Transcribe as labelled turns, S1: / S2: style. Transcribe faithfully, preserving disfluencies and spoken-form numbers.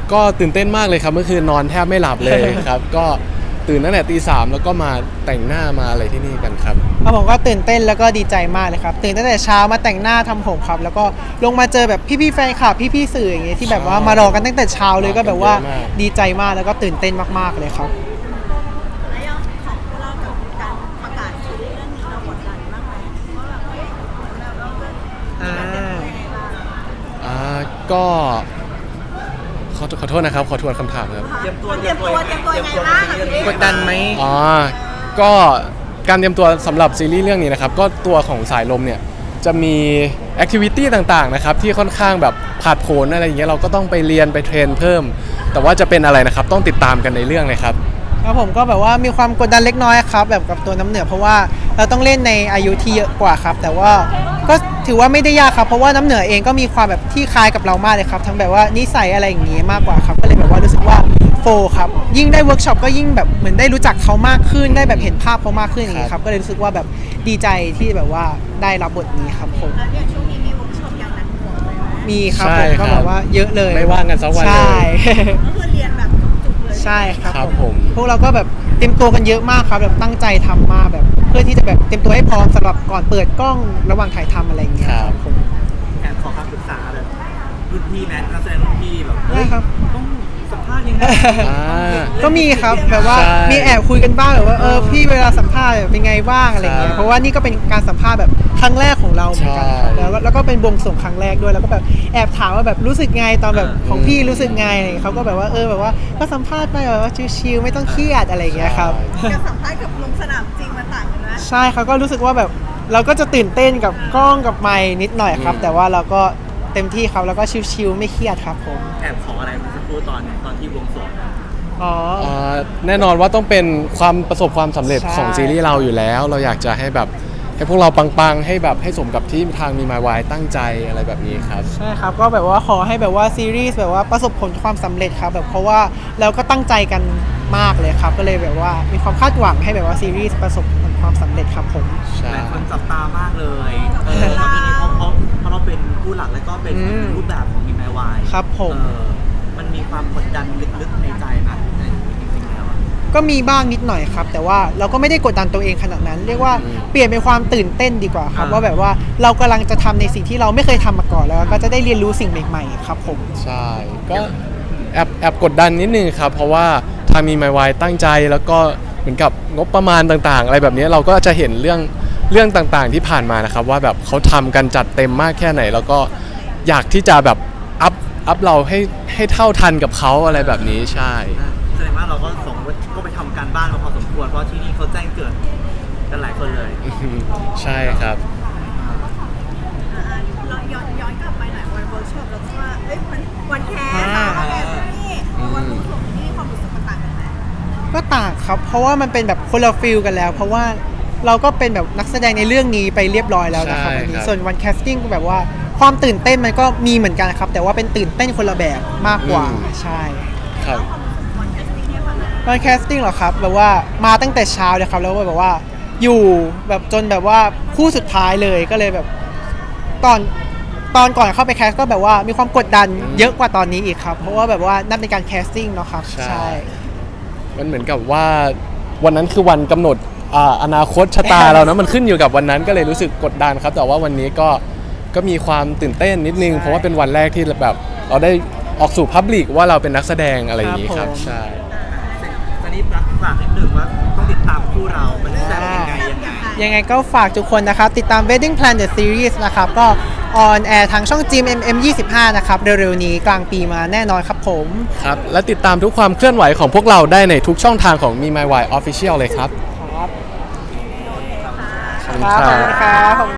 S1: ก็ตื่นเต้นมากเลยครับเมื่อคืนนอนแทบไม่หลับเลยครับก็ตื่นตั้งแต่ตีสามแล้วก็มาแต่งหน้ามาอะไรที่นี่กันครับ
S2: ครับผมก็ตื่นเต้นแล้วก็ดีใจมากเลยครับตื่นตั้งแต่เช้ามาแต่งหน้าทำผมครับแล้วก็ลงมาเจอแบบพี่ๆแฟนคลับพี่ๆสื่ออย่างเงี้ยที่แบบว่ามารอกันตั้งแต่เช้าเลยก็แบบว่าดีใจมากแล้วก็ตื่นเต้นมากๆเลยครับ
S3: แล้วยังของพวกเรากับการประกาศซีรีส์เรื่องนี้เรากดดันมากไหมว่าแบบเฮ้ยเหมือนแบบเราจะมีการเตรียมตัวยังไงบ้าง
S1: อ่าก็ขอขอโทษนะครับขอทวนคำถามครับ
S3: เตรียมตัวเตรียมตัวเตรียมตัวยังไงบ้างกับซีรีส์
S2: กดดันไหม
S1: อ๋อก็การเตรียมตัวสำหรับซีรีส์เรื่องนี้นะครับก็ตัวของสายลมเนี่ยจะมีแอคทิวิตี้ต่างๆนะครับที่ค่อนข้างแบบผาดโผนอะไรอย่างเงี้ยเราก็ต้องไปเรียนไปเทรนเพิ่มแต่ว่าจะเป็นอะไรนะครับต้องติดตามกันในเรื่องเลยครับ
S2: ครับผมก็แบบว่ามีความกดดันเล็กน้อยครับแบบกับตัวน้ำเหนือเพราะว่าเราต้องเล่นในอายุที่เยอะกว่าครับแต่ว่าก็ถือว่าไม่ได้ยากครับเพราะว่าน้ำเหนือเองก็มีความแบบที่คล้ายกับเรามากเลยครับทั้งแบบว่านิสัยอะไรอย่างงี้มากกว่าครับก็เลยแบบว่ารู้สึกว่าโฟครับยิ่งได้เวิร์กช็อปก็ยิ่งแบบเหมือนได้รู้จักเขามากขึ้นได้แบบเห็นภาพเขามากขึ้นอย่างงี้ครับก็เลยรู้สึกว่าแบบดีใจที่แบบว่าได้รับบทนี้ครับผม
S3: แล้วอย่างช่วงนี้มีเวิร์กช็อปอย่างหนักหน่วงเลยไหม
S2: มีครับผมก็แบบว่าเยอะเลย
S1: ไม่ว่างกันสักวันเลย
S2: ใช่
S3: ก็คือเรียนแบบจุกๆเลย
S2: ใช่ครับ
S1: ผม
S2: พวกเราก็แบบเตรียมตัวกันเยอะมากครับแบบตั้งใจทำมาแบบเพื่อที่จะแบบเตรียมตัวให้พร้อมสำหรับก่อนเปิดกล้องระหว่างถ่ายทำอะไรอย่างเงี้ยครับผม
S4: แอบขอคำปรึกษาแบบรุ่นพี่แมทนักแสดงรุ่นพี่แบบ
S2: ได้ครับ
S4: ต้องสัมภาษณ์ยังไง
S2: ก็มีครับแบบว่ามีแอบคุยกันบ้างแบบว่าเออพี่เวลาสัมภาษณ์เป็นไงบ้างอะไรเงี้ยเพราะว่านี่ก็เป็นการสัมภาษณ์แบบครั้งแรกของเราเหมือนกันครับแล้วแล้วก็เป็นบวงสรวงครั้งแรกด้วยแล้วก็แบบแอบถามว่าแบบรู้สึกไงตอนแบบของพี่รู้สึกไงเขาก็แบบว่าเออแบบว่าก็สัมภาษณ์ไปแบบว่าชิลๆไม่ต้องเครียดอะไรเงี้ยครับ
S3: การสัมภาษณ์กับลงสนามจริงมันต่างกันไหม
S2: ใช่เขาก็รู้สึกว่าแบบเราก็จะตื่นเต้นกับกล้องกับไมค์นิดหน่อยครับแต่ว่าเราก็เต็มที่ครับแล้วก็ชิลๆไม่เครียดครับผม
S4: แอบขออะไรเมื่อสักครู่ตอนตอนที่วงสวง
S2: อ๋อ
S1: แน่นอนว่าต้องเป็นความประสบความสำเร็จของซีรีส์เราอยู่แล้วเราอยากจะให้แบบให้พวกเราปังๆให้แบบให้สมกับที่ทางมีมาวายตั้งใจอะไรแบบนี้ครับ
S2: ใช่ครับก็แบบว่าขอให้แบบว่าซีรีส์แบบว่าประสบผลความสำเร็จครับแบบเพราะว่าเราก็ตั้งใจกันมากเลยครับก็เลยแบบว่ามีความคาดหวังให้แบบว่าซีรีส์ประสบผลความสำเร็จครับผม
S1: ใช่
S4: หลายคนจับตามากเลยเออตอนนี้เพราะเพราะเพราะเราเป็นผู้หลักแล้วก็เป็นรูปแบบของมีมาวาย
S2: ครับผม
S4: มันมีความกดดันลึกๆในใจไหม
S2: ก็มีบ้างนิดหน่อยครับแต่ว่าเราก็ไม่ได้กดดันตัวเองขนาดนั้นเรียกว่าเปลี่ยนเป็นความตื่นเต้นดีกว่าครับว่าแบบว่าเรากำลังจะทำในสิ่งที่เราไม่เคยทำมาก่อนแล้วก็จะได้เรียนรู้สิ่งใหม่ๆครับผม
S1: ใช่ก็แอบแอบกดดันนิดนึงครับเพราะว่าทางมีมาวายตั้งใจแล้วก็เหมือนกับงบประมาณต่างๆอะไรแบบนี้เราก็จะเห็นเรื่องเรื่องต่างๆที่ผ่านมานะครับว่าแบบเขาทำกันจัดเต็มมากแค่ไหนแล้วก็อยากที่จะแบบอัพอัพเราให้ให้เท่าทันกับเขาอะไรแบบนี้ใช่
S4: แสดงว่าเราก็ส่งก็ไปทำการบ้านมาพอสมควรเพราะที่นี่เขาแจ้งเกิดกันหลายคนเลย
S1: ใช่ครับ
S3: เราย้อนย้อนกลับไปหน่อยวันเวิร์กช็อปเราคิดว่าเอ้ยวันวันแคสวันแคสนี่วันวงสรวงนี่ความรู้สึกมันต่างกันไหม
S2: ก็ต่างครับเพราะว่ามันเป็นแบบคนละฟิลกันแล้วเพราะว่าเราก็เป็นแบบนักแสดงในเรื่องนี้ไปเรียบร้อยแล้วนะครับวันนี้ส่วนวันแคสติ้งก็แบบว่าความตื่นเต้นมันก็มีเหมือนกันครับแต่ว่าเป็นตื่นเต้นคนละแบบมากกว่าใช่
S1: ครับ
S2: วันแคสติ้งเหรอครับแบบว่ามาตั้งแต่เช้าเลยครับแล้วก็แบบว่าอยู่แบบจนแบบว่าคู่สุดท้ายเลยก็เลยแบบตอนตอนก่อนเข้าไปแคสก็แบบว่ามีความกดดันเยอะกว่าตอนนี้อีกครับเพราะว่าแบบว่านั่นเป็นการแคสติ้งเนาะครับ
S1: ใช่มันเหมือนกับว่าวันนั้นคือวันกำหนดอ่าอนาคตชะตาเรานะมันขึ้นอยู่กับวันนั้นก็เลยรู้สึกกดดันครับแต่ว่าวันนี้ก็ก็มีความตื่นเต้นนิดนึงเพราะว่าเป็นวันแรกที่แบบเราได้ออกสู่พับลิกว่าเราเป็นนักแสดงอะไรอย่างนี้ครับใช่
S4: ตอนนี้รักฝากนิดนึงว่าต้องติดตามคู่เรามันจะยังไงยังไง
S2: ยังไงก็ฝากทุกคนนะครับติดตาม Wedding Plan The Series นะครับก็ออนแอร์ทางช่อง จี เอ็ม เอ็ม ยี่สิบห้า นะครับเร็วๆนี้กลางปีมาแน่นอนครับผม
S1: ครับและติดตามทุกความเคลื่อนไหวของพวกเราได้ในทุกช่องทางของ มี มาย วาย Official เลยครับ
S2: ครับขอบคุณครับ